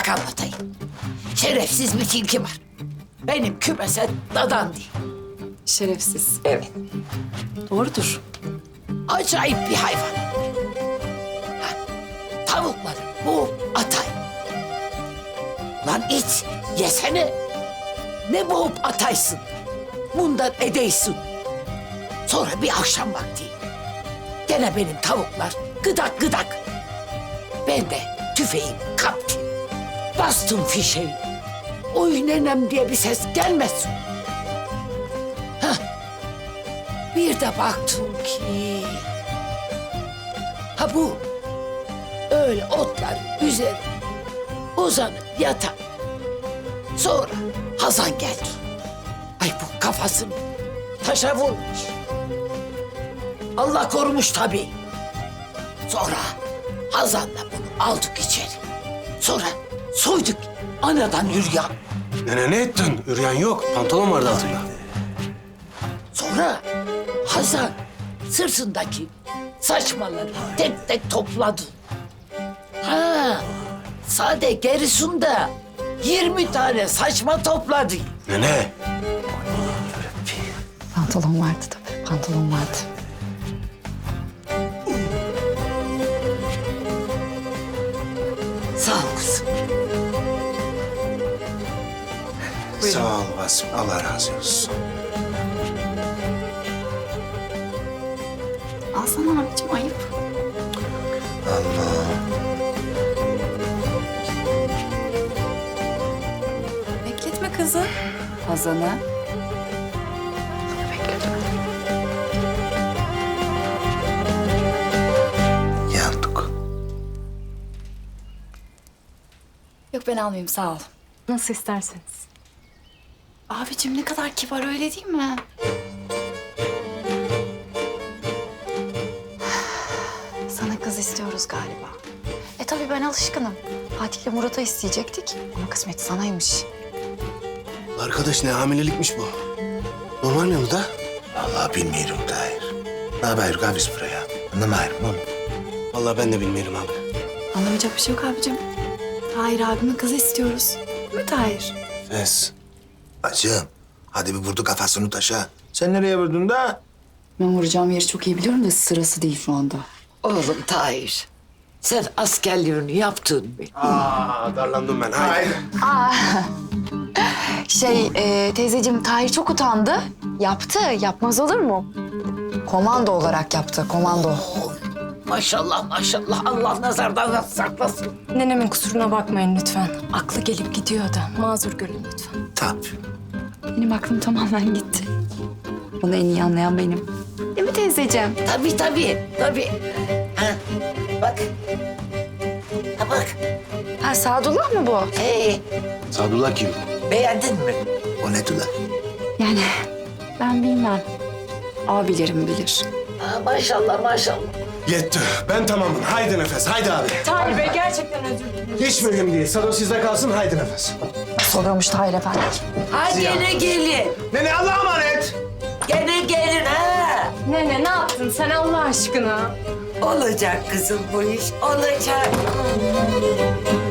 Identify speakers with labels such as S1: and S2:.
S1: Bak anlatayım. Şerefsiz bir tilki var. Benim kümese dadan değil.
S2: Şerefsiz.
S1: Evet.
S2: Doğrudur.
S1: Acayip bir hayvan. Ha, tavukları bu atay. Lan it yesene. Ne boğup ataysın. Bundan edeysin. Sonra bir akşam vakti. Gene benim tavuklar gıdak gıdak. Ben de tüfeğimi kaptım. Bastım fişeği. Oy nenem diye bir ses gelmesin. Hah. Bir de baktım ki... Ha bu öyle otların üzerine uzanıp yatan. Sonra Hazan geldi. Ay bu kafasını taşa vurmuş. Allah korumuş tabii. Sonra Hazan'la bunu aldık içeri. Sonra soyduk anadan yürüyen.
S3: Nene ne ettin? Üryan yok. Pantolon vardı altında.
S1: Sonra Hazan sırtındaki saçmaları tek tek topladı. Ha, sade gerisinde 20 tane saçma topladı.
S3: Nene.
S2: Pantolon vardı tabii. Pantolon vardı.
S1: Sağ ol kızım.
S3: Sağ ol Vasım. Allah razı olsun.
S2: Alsana abicim, ayıp.
S3: Allah.
S2: Bekletme kızı. Hazan'ı.
S3: Yandık.
S2: Yok ben almayayım, sağ ol.
S4: Nasıl isterseniz.
S2: Abicim ne kadar kibar, öyle değil mi? Sana kız istiyoruz galiba. Tabii ben alışkınım. Fatih'le Murat'a isteyecektik ama kısmet sanaymış.
S3: Arkadaş ne hamilelikmiş bu? Normal mi bu da? Vallahi bilmiyorum Tahir. Ne haber biz buraya? Anlamıyorum oğlum. Vallahi ben de bilmiyorum abi.
S2: Anlamayacak bir şey yok abicim. Tahir abimin kızı istiyoruz. Değil mi Tahir?
S3: Fes. Bacım, hadi bir vurdu kafasını taşa. Sen nereye vurdun da?
S2: Ben vuracağım yeri çok iyi biliyorum da sırası değil şu anda.
S1: Oğlum Tahir, sen askerliğini yaptın mı?
S3: Darlandım ben. Hayır.
S2: Teyzeciğim Tahir çok utandı. Yaptı, yapmaz olur mu? Komando olarak yaptı, komando.
S1: Maşallah maşallah, Allah nazardan saklasın.
S4: Nenemin kusuruna bakmayın lütfen. Aklı gelip gidiyor da. Mazur görün lütfen.
S3: Tabii.
S2: Benim aklım tamamen gitti. Bunu en iyi anlayan benim. Değil mi teyzeciğim?
S1: Tabii. Ha, bak. Ha bak.
S2: Ha Sadullah mı bu?
S1: Hey,
S3: Sadullah kim?
S1: beğendin mi?
S3: O ne Tula?
S2: Yani ben bilmem. Abilerim bilir.
S1: Ha, maşallah.
S3: Yetti. Ben tamamım. Haydi nefes. Haydi abi.
S4: Tahir Bey gerçekten özür dilerim.
S3: Hiç mühim değil. Sado sizde kalsın. Haydi nefes.
S2: Soruyormuş Tahir efendi.
S1: Ha gene gelin.
S3: Nene Allah'a emanet.
S1: Gene gelin ha.
S4: Nene ne yaptın sen Allah aşkına?
S1: Olacak kızım bu iş, olacak.